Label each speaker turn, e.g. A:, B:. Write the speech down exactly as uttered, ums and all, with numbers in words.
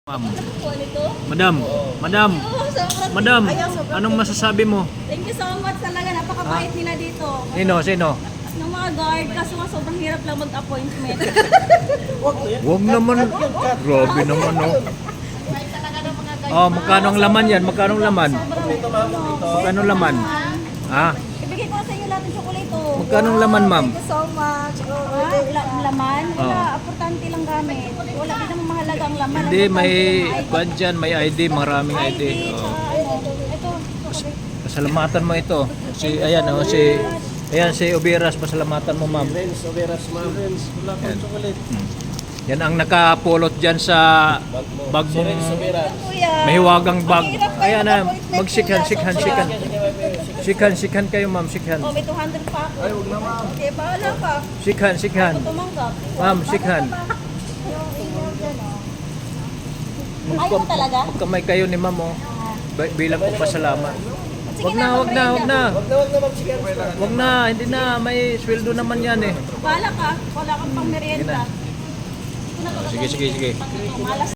A: Ma'am. Madam, madam, madam, anong masasabi mo?
B: Thank you so much talaga. Napakabait nila dito.
A: Sino, sino?
B: Ng mga guard, kaso nga sobrang hirap lang mag-appointment.
A: Huwag naman. Grabe naman, no? Oh, magkano ang laman yan? Magkano ang laman? Magkano ang laman? Ha?
B: Ibigay ko na sa inyo lahat ng chocolate. Oh.
A: Magkano ang laman, ma'am?
C: Thank you so much.
B: Ah, la- laman? Wala,
A: Oo.
B: importante lang gamit. Wala din naman mahalaga ang laman.
A: Hindi,
B: Ang
A: may
B: importante yung
A: kwan dyan, may I D, maraming I
B: I
A: D.
B: D.
A: Oh.
B: Tsaka ano, ito.
A: Pasalamatan mo ito. Si, ayan, oh, si, ayan, si Ubiras, pasalamatan mo, ma'am.
D: Friends, Overas, ma'am. Friends, wala pang chocolate.
A: Hmm. Yan ang nakapulot dyan sa bag mong
D: Overas.
B: Kuya.
A: mahiwagang bag.
B: Ang hirap kayo
A: Ayan na,
B: mag-appointment
A: magsikhan,
B: nila.
A: sikhan,
B: Sobra.
A: sikhan. Sikhan, sikhan kayo, ma'am, sikhan.
B: Oh, may two hundred pa ako. Ay, huwag na ma'am. Okay, bahala ka.
A: Sikhan, sikhan.
B: Ako tumanggap.
A: Ma'am, sikhan.
B: Yung email dyan, oh. Ayaw mo talaga?
A: Kamay kayo ni ma'am, oh. Ba- bilang ko pasalamat.
B: Sige
A: Wag na, wag na, wag na.
D: Wag na, wag na, ma'am. Sige,
A: Wag na, hindi na. May sweldo naman yan, eh.
B: Bahala ka. Wala kang pang merienda.
A: Sige, sige, sige.
B: Malas